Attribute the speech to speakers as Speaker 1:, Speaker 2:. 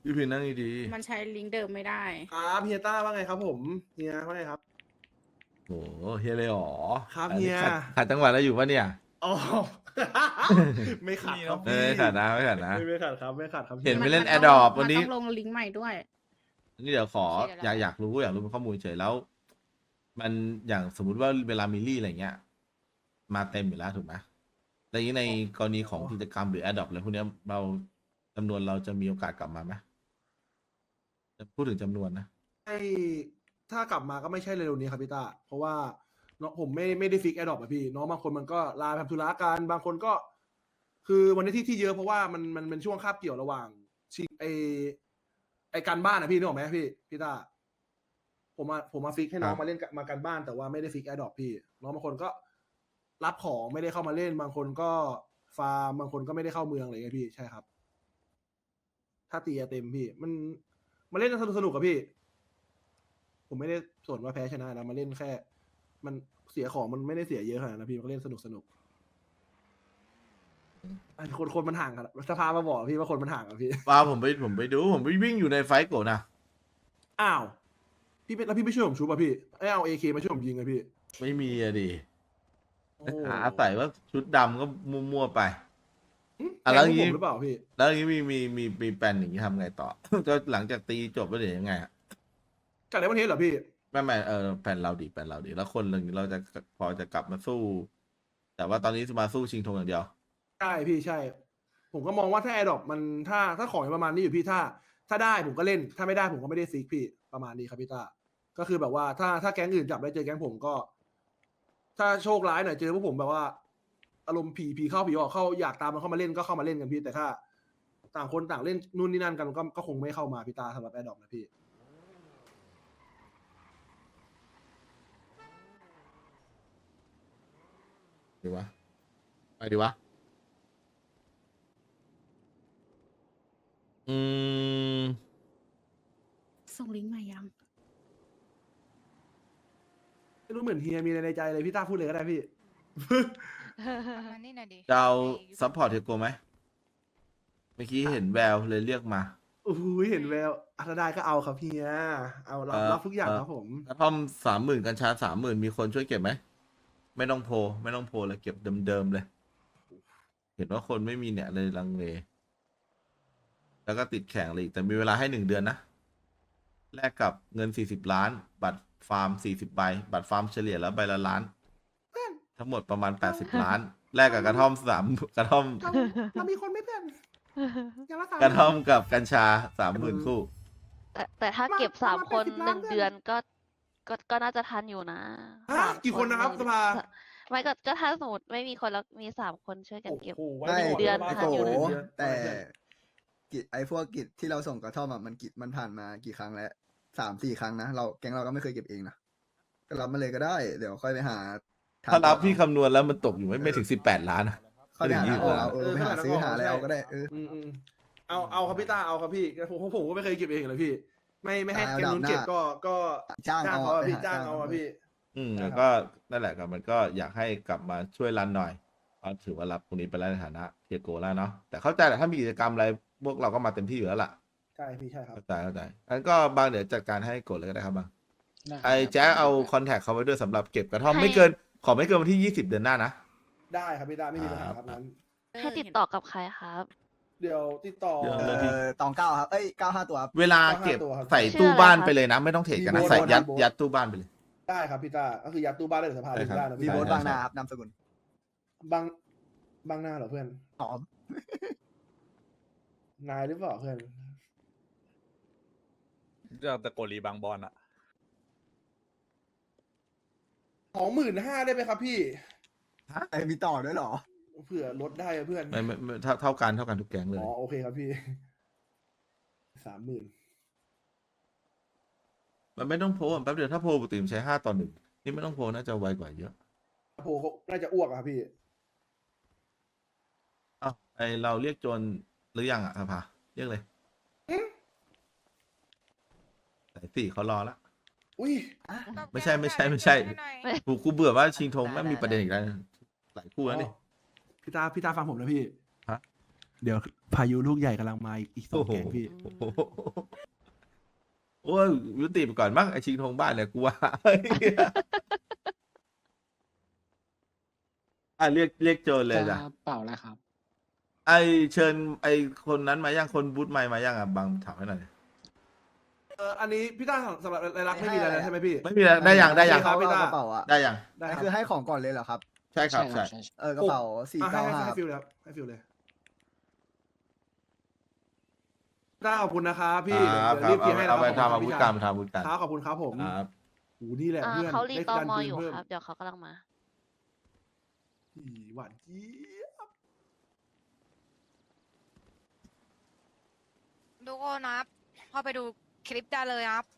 Speaker 1: พี่พินนั่งดี
Speaker 2: มันใช้ลิงก์เดิมไม่ได้
Speaker 3: ครับเฮียต้าว่าไงครับผมเฮียว่าไงครับ
Speaker 1: ๆโหเฮียเลยเหรอ
Speaker 3: ครับ
Speaker 1: อันนี้
Speaker 3: เฮีย
Speaker 1: ขัดจังหวะแล้วอยู่ปะเนี่ย
Speaker 3: อ๋อ ไม่ขัดครับ
Speaker 1: ไม่
Speaker 3: พี่
Speaker 1: ขัดนะไม่ขัดนะ
Speaker 3: ไม่ขัดครับไม่ขัดครับ
Speaker 1: เห็น
Speaker 3: ฮีย
Speaker 1: ไม่เล่น
Speaker 2: มั
Speaker 1: Adopt
Speaker 2: มั
Speaker 1: วันนี้
Speaker 2: ต้องลงลิงก์ใหม่ด้วย
Speaker 1: นี่เดี๋ยวขอ
Speaker 2: โอเคเดี๋ยว
Speaker 1: อยากรู้เป็นข้อมูลเฉยแล้ว มันอย่างสมมุติว่าเวลามิลลี่อะไรเงี้ย มาเต็มอยู่แล้วถูกไหมแต่อย่างนี้ในกรณีของกิจกรรมหรือ Adopt อะไรพวกเนี้ยเราจำนวนเราจะมีโอกาสกลับมาไหมพูดถึงจำนวนนะ
Speaker 3: ถ้ากลับมาก็ไม่ใช่เร็วๆนี้ครับพี่ต้าเพราะว่าน้องผมไม่ได้ฟิกแอดดอปอะพี่น้องบางคนมันก็ลาทำธุระกันบางคนก็ คือวันนี้ที่เยอะเพราะว่ามันเป็นช่วงคาบเกี่ยวระหว่างชิงไอการบ้านนะพี่นึกออกไหมพี่ต้าผมมาฟิกให้น้อง
Speaker 1: ครับ
Speaker 3: มาเล่นมาการบ้านแต่ว่าไม่ได้ฟิกแอดดอปพี่น้องบางคนก็รับของไม่ได้เข้ามาเล่น บางคนก็ฟาร์มบางคนก็ไม่ได้เข้าเมืองอะไรเงี้ยพี่ใช่ครับ ถ้าตีเต็มพี่มันเล่นสนุกกับพี่ ผมไม่ได้สนว่าแพ้ชนะนะมาเล่นแค่ มันเสียของมันไม่ได้เสียเยอะขนาดนั้นนะพี่มันก็เล่นสนุกไอ้คนมันห่างกันสภามาบอกพี่ว่าคนมันห่างกันพี่
Speaker 1: ป้าผมไปดูผมไปวิ่งอยู่ในไฟท์โกะนะ
Speaker 3: อ้าวพี่แล้วพี่ไม่ช่วยผมชูป่ะพี่เอาAKมาช่วยผมยิงอะพี่
Speaker 1: ไม่มีอะดิ
Speaker 3: โอ้
Speaker 1: หาใส่ว่าชุดดำก็มั่วๆไป
Speaker 3: หึ
Speaker 1: อ่ะแล้ว
Speaker 3: แกงพวก
Speaker 1: งี้
Speaker 3: ผมหรือเปล่าพี่
Speaker 1: แล้วอย่างนี้มีแปลนอย่างนี้ทำไงต่อ ก็หลังจากตีจบแล้วเดี๋ยวยังไงอะ
Speaker 3: จากในประเทศเหรอพี่
Speaker 1: ไม่แผนเราดีแล้วคนหนึ่งเราจะพอจะกลับมาสู้ แต่ว่าตอนนี้มาสู้ชิงธงอย่างเดียว
Speaker 3: ใช่พี่ใช่ ผมก็มองว่าถ้าแอร์ดรอปมันถ้าของประมาณนี้อยู่พี่ถ้าได้ผมก็เล่น ถ้าไม่ได้ผมก็ไม่ได้ซิกพี่ประมาณนี้ครับพี่ต้าก็คือแบบว่าถ้าแก๊งอื่นจับได้เจอแก๊งผมก็ ถ้าโชคร้ายหน่อยเจอพวกผมแบบว่า อารมณ์ผีเข้าผีออกเข้าอยากตามมันเข้ามาเล่นก็เข้ามาเล่นกันพี่แต่ถ้า ต่างคนต่างเล่นนู่นนี่นั่นกันก็คงไม่เข้ามาพี่ตาสำหรับแอร์ดรอปนะพี่
Speaker 1: ดีวะไปดีวะอืม
Speaker 2: ส่งลิงก์ใหม่ยัง
Speaker 3: ไม่รู้เหมือนเฮียมีอะไรในใจเลยพี่ต้าพูดเลยก็ได้พี่
Speaker 4: มานี่หน่อยดิ
Speaker 1: จะเอา
Speaker 4: ไอ้
Speaker 1: ซัพพอร์ตเทโกไหมเมื่อกี้เห็นแววเลยเรียกมา
Speaker 3: โอ้โหเห็นแววอัธได้ก็เอาครับเฮียเอารับทุกอย่างครับผม
Speaker 1: กระท่อม30,000กัญชา30,000มีคนช่วยเก็บไหมไม่ต้องโพลเลยเก็บเดิมๆเลย เห็นว่าคนไม่มีเนี่ยเลยลังเลแล้วก็ติดแข่งเลยอีกแต่มีเวลาให้1 เดือนนะแลกกับเงิน40 ล้าน บัตรฟาร์ม40 ใบบัตรฟาร์มเฉลี่ยแล้วใบละล้าน ทั้งหมดประมาณ80 ล้านแลกกับกระท่อมกระท่อม
Speaker 3: เรามีคนไม่เพื่อนยังรักษาก
Speaker 1: ระท่อมกับกัญชา30,000 คู่
Speaker 5: แต่ถ้าเก็บ
Speaker 3: ประมาณ
Speaker 5: 3 คน
Speaker 3: 80 ล้าน
Speaker 5: 1 เดือนก็น่าจะทันอยู่นะ
Speaker 3: ฮะ
Speaker 5: สาม
Speaker 3: กี่คนนะครับสภา
Speaker 5: ไม่ก็ถ้าสมมติไม่มีคนแล้วมี3 คนช่วยกันเก็บ
Speaker 3: โอ้โห
Speaker 6: ไม่
Speaker 5: เดือน
Speaker 6: ไอ้
Speaker 5: ทัน
Speaker 6: โก
Speaker 5: อยู่นะ
Speaker 6: แต่กิจไอ้พวกกิจที่เราส่งกระท่อมอะมันผ่านมากี่ครั้งแล้ว3-4 ครั้งนะแก๊งเราก็ไม่เคยเก็บเองนะก็รับมาเลยก็ได้ เดี๋ยวค่อยไปหาทง
Speaker 1: ถ้ารับพี่คำนวณแล้วมันตกอยู่ไม่ถึง18 ล้านนะ
Speaker 6: ค่อยไปหาทางออกเอา
Speaker 3: เออ
Speaker 6: ไปหาซื้อหาอะไรเอาก็ได้
Speaker 3: อืมเอาครับพี่ต้าเอาครับพี่ผมก็ไม่เคยเก็บเองเลยพี่ ไม่ให้
Speaker 6: เอา
Speaker 3: แกนู้น
Speaker 6: ดาบหน้า
Speaker 3: เก็บก็
Speaker 6: จ้างเอา
Speaker 3: เขาอะ
Speaker 6: ไป
Speaker 3: พี่
Speaker 6: หา
Speaker 3: จ้าง
Speaker 6: จ้าง
Speaker 3: เอาอะ
Speaker 6: เอา
Speaker 3: พี่
Speaker 1: แล้วก็นั่นแหละครับมันก็อยากให้กลับมาช่วยรันหน่อยก็ถือว่ารับตรงนี้ไปแล้วในฐานะเทียโกแล้วเนาะแต่เข้าใจแหละถ้ามีกิจกรรมอะไรพวกเราก็มาเต็มที่อยู่แล้วล่ะ
Speaker 3: ใช่พี่ใช่ครับ
Speaker 1: เข้าใจงั้นก็บางเดี๋ยวจัดการให้กดเลยก็ได้ครับบางไอ้แจ๊คเอาคอนแทคเขาไว้ด้วยสำหรับเก็บกระท่อม
Speaker 5: ให้
Speaker 1: ไม่เกินวันที่20 เดือนหน้านะ
Speaker 3: ได้ครับพี่ต้าไม่มีปัญหาครับนั้น
Speaker 5: ให้ติดต่อกับใครครับ
Speaker 3: เดี๋ยวติดต่อ
Speaker 1: เดี๋ยว
Speaker 6: ตอง9ครับ95 ตัวครับ
Speaker 1: เวลาเก็บ
Speaker 3: 5 ตัวครับ
Speaker 1: ใส่
Speaker 5: ชื่อ
Speaker 1: ตู้
Speaker 5: อะไร
Speaker 1: บ้าน
Speaker 5: ครับ
Speaker 1: ไปเลยนะ ไม่ต้องเทรดกันนะ
Speaker 3: มีโบนัส
Speaker 1: ใส่ยัด
Speaker 3: โบนัส
Speaker 1: ยัดตู้บ้านไปเลย
Speaker 3: ได้ครับพี่ต้าก็คือยัดตู้บ้านได้หรือสภา
Speaker 1: ได้ครับ
Speaker 3: ได้นะ
Speaker 6: มี
Speaker 3: พี่
Speaker 6: โบ
Speaker 3: ต้า
Speaker 6: สบางนาครับนามสกุล
Speaker 3: บางหน้าเหรอเพื่อน
Speaker 6: หอม
Speaker 3: นายหรือเปล่าเพื่อน
Speaker 7: เรื่องตะโกลีบางบอลอะ
Speaker 3: 25,000ได้ไหมครับพี่
Speaker 6: ไอ้มีต่อด้วยเหรอ
Speaker 3: เผื่อลดได้อะเพื่อน
Speaker 1: ไม่เท่ากันทุกแก๊งเลย
Speaker 3: อ๋อโอเคครับพี่ 30,000
Speaker 1: มันไม่ต้องโพลแป๊บเดียวถ้าโพลปกติมันใช้5-1นี่ไม่ต้องโพลน่าจะไวกว่าเยอะ
Speaker 3: โพเขาน่าจะอ้วกอะครับพี่
Speaker 1: อ้าวไอเราเรียกโจรหรือยังอ่ะสภาเรียกเลย
Speaker 3: อืม
Speaker 1: สาย4เขารอละ
Speaker 3: อุ้ย
Speaker 1: ไม่ใช่กูเบื่อว่าชิงธงแม่งมีประเด็นอีกแล้วหลายคู่แล้วนี่
Speaker 3: พี่ตาฟังผมนะพี่
Speaker 1: ฮะ
Speaker 3: เดี๋ยวพายุลูกใหญ่กำลังมาอีกสองแก๊งพี่
Speaker 1: โอ้โหโอ้ยยุติไปก่อนมั้งไอชิงทงบ้านเนี่ยกูว่า อ่ะเรียกโจรเลยจ้ะ
Speaker 8: เปล่าแล้วครับ
Speaker 1: ไอเชิญไอคนนั้นมายังคนบูธไมค์มายังอ่ะบางถามให้หน่อย
Speaker 3: อันนี้พี่ต้าสำหรับรายลักษณ์ไม่มีอะไรแล้วใช่ไหมพี่
Speaker 1: ไม่มีแล้วได้ยังได้ยัง
Speaker 3: ครับ
Speaker 6: เอากระเป๋าอะ
Speaker 1: ได้ยัง
Speaker 3: ได้
Speaker 6: นั่น
Speaker 3: ครับ
Speaker 6: คือให้ของก่อนเลยเหรอครับ
Speaker 1: ใช่ครับ
Speaker 8: ใช่
Speaker 1: ใช่
Speaker 6: กระเป๋าสี่
Speaker 3: ให้
Speaker 6: เก้า
Speaker 3: ให้
Speaker 6: ห้า
Speaker 3: ให้ฟิลเลยครับให้ฟิลเลยต้าขอบคุณนะครับพี่
Speaker 1: ครับ
Speaker 3: เดี๋ยวรีบเคลียร์ให้
Speaker 1: เอาไป
Speaker 3: แล้ว
Speaker 1: ทำอาวุธการทำอาวุธการ
Speaker 3: ครับขอบคุณครับผม
Speaker 1: ครับ
Speaker 3: โหนี่แหละเพื่อน
Speaker 5: เขารี
Speaker 3: ได้
Speaker 5: ตอ
Speaker 3: ดัน
Speaker 5: มอ
Speaker 3: ปืน
Speaker 5: อยู่
Speaker 3: เพิ่ม
Speaker 5: ครับ เดี๋ยวเขากำลังมา
Speaker 3: หวานเจี๊ยบ
Speaker 4: ทุกคนครับเข้าไปดูคลิปได้เลยครับ